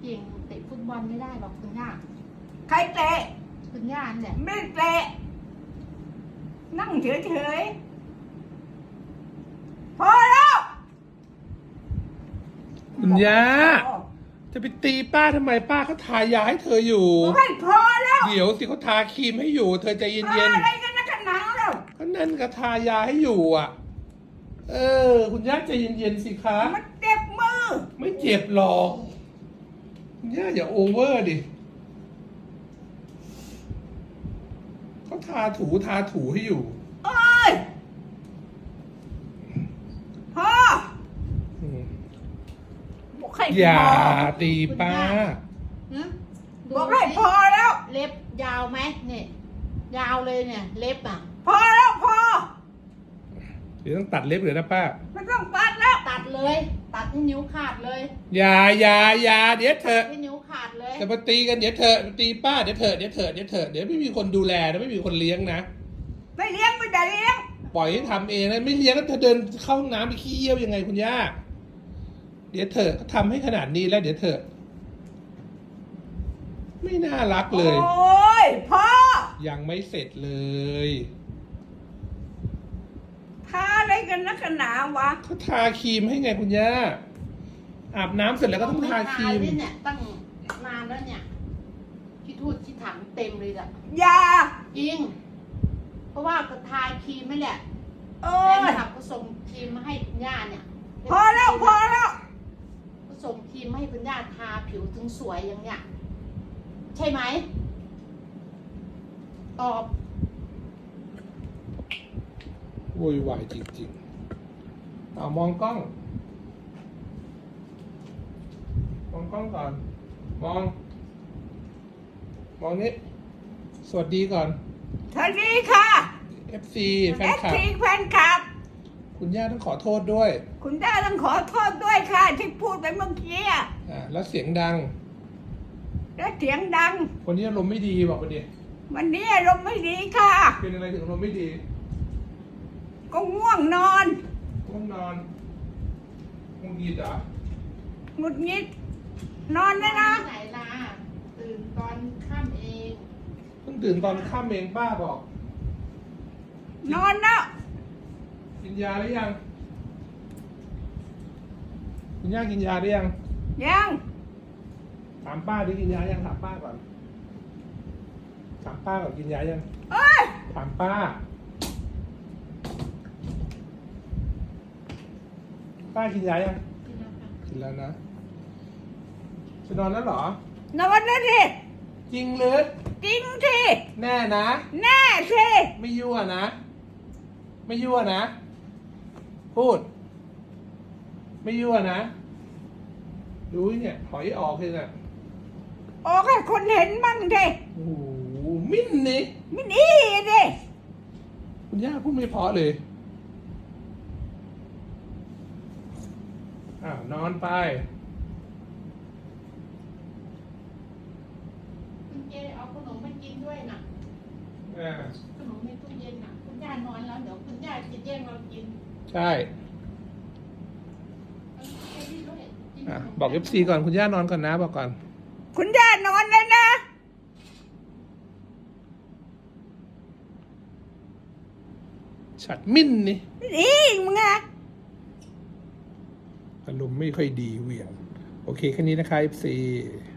เก่งเตะฟุตบอลไม่ได้หรอกคุณย่าใครเตะคุณย่าเนี่ยไม่เตะนั่งเฉยๆพอแล้วคุณย่าจะไปตีป้าทำไมป้าเขาทายาให้เธออยู่บอกให้พอแล้วเดี๋ยวสิเขาทาครีมให้อยู่ เธอใจเย็นอะไรกันนะกันหนังแล้วๆก็นั่นก็ทายาให้อยู่อ่ะ คุณย่าใจเย็นๆสิคะมันเจ็บมือไม่เจ็บหรอกคุณย่าอย่าโอเวอร์ดิเขาทาถูให้อยู่เอ้ยพออืมบอกให้อย่าพอตีป้าหึดูบอกให้พอแล้วเล็บยาวไหมเนี่ยยาวเลยเนี่ย เล็บอ่ะพอแล้วพอเดี๋ยวต้องตัดเล็บเลยนะป้าไม่ต้องตัดแล้วตัดเลย ตัดให้นิ้วขาดเลยอย่าเดี๋ยวเถอะให้นิ้วขาดเลยจะมาตีกันเดี๋ยวเถอะตีป้าเดี๋ยวเถอะเดี๋ยวไม่มีคนดูแลนะไม่มีคนเลี้ยงนะไม่เลี้ยงไม่ได้เลี้ยงปล่อยให้ทำเองนะไม่เลี้ยงแล้วเธอเดินเข้าห้องน้ำไปขี้เยี่ยวยังไงคุณย่าเดี๋ยวเถอะเขาทำให้ขนาดนี้แล้วเดี๋ยวเถอะไม่น่ารักเลยโอ้ยพอยังไม่เสร็จเลยทาอะไรกันนักกันหนาวะเขาทาครีมให้ไงคุณย่าอาบน้ำเสร็จแล้วก็ต้องทาครีมเนี่ยตั้งนานแล้วเนี่ยที่ทูดที่ถังเต็มเลยอ่ะอย่าจริง เพราะว่าก็ทาครีมไม่แหละโอ้แฟนยคลับก็ส่งครีมมาให้คุณย่าเนี่ยพอแล้วพอแล้วก็ส่งครีมมาให้คุณย่าทาผิวถึงสวยอย่างเนี้ยใช่ไหมตอบโวยวายจริงๆเอามองกล้องก่อนมองนี้สวัสดีก่อนสวัสดีค่ะ FC แฟนคลับทีแฟนคลับคุณย่าต้องขอโทษด้วยคุณย่าต้องขอโทษด้วยค่ะ ที่พูดไปเมื่อกี้อะแล้วเสียงดังและเสียงดังวันนี้อารมณ์ไม่ดีบอกไปดิวันนี้อารมณ์ไม่ดีค่ะเป็นอะไรถึงอารมณ์ไม่ดีก็ง่วงนอนง่วงนอนง่วงดีจ้ะหงุดหงิด นอนได้นะไหนล่ะตื่นตอนค่ำเองเพิ่งตื่นตอนค่ำเองป้าบอกนอนแล้วกินยาหรือยังคุณย่ากินยาหรือยังยังถามป้าดิกินยายังถามป้าก่อนกินยายังเอ้ยถามป้ากินยายังกินแล้วค่ะกินแล้วนะจะนอนแล้วเหรอนอนแล้วสิจริงหรือจริงสิแน่นะแน่สิไม่ยั่วนะ พูด ไม่ยั่วนะดูเนี่ยถอยออกเลยน่ะออกให้คนเห็นมั่งสิโอ้โหมิ้นนี่ไม่ดีสิคุณย่าพูดไม่เพราะเลยนอนไปคุณเจเอาขนมมากินด้วยนะขนมในตู้เย็นน่ะคุณย่านอนแล้วเดี๋ยวคุณย่าจะแย่งเรากินใช่เอาไปนี่ด้วยกินขนมบอก FC ก่อนคุณย่านอนก่อนนะบอกก่อนคุณย่านอนแล้วนะฉัดมิ้นนี่ไม่ดีมึงอะอารมณ์ไม่ค่อยดีเหวี่ยงโอเคแค่นี้นะคะ FC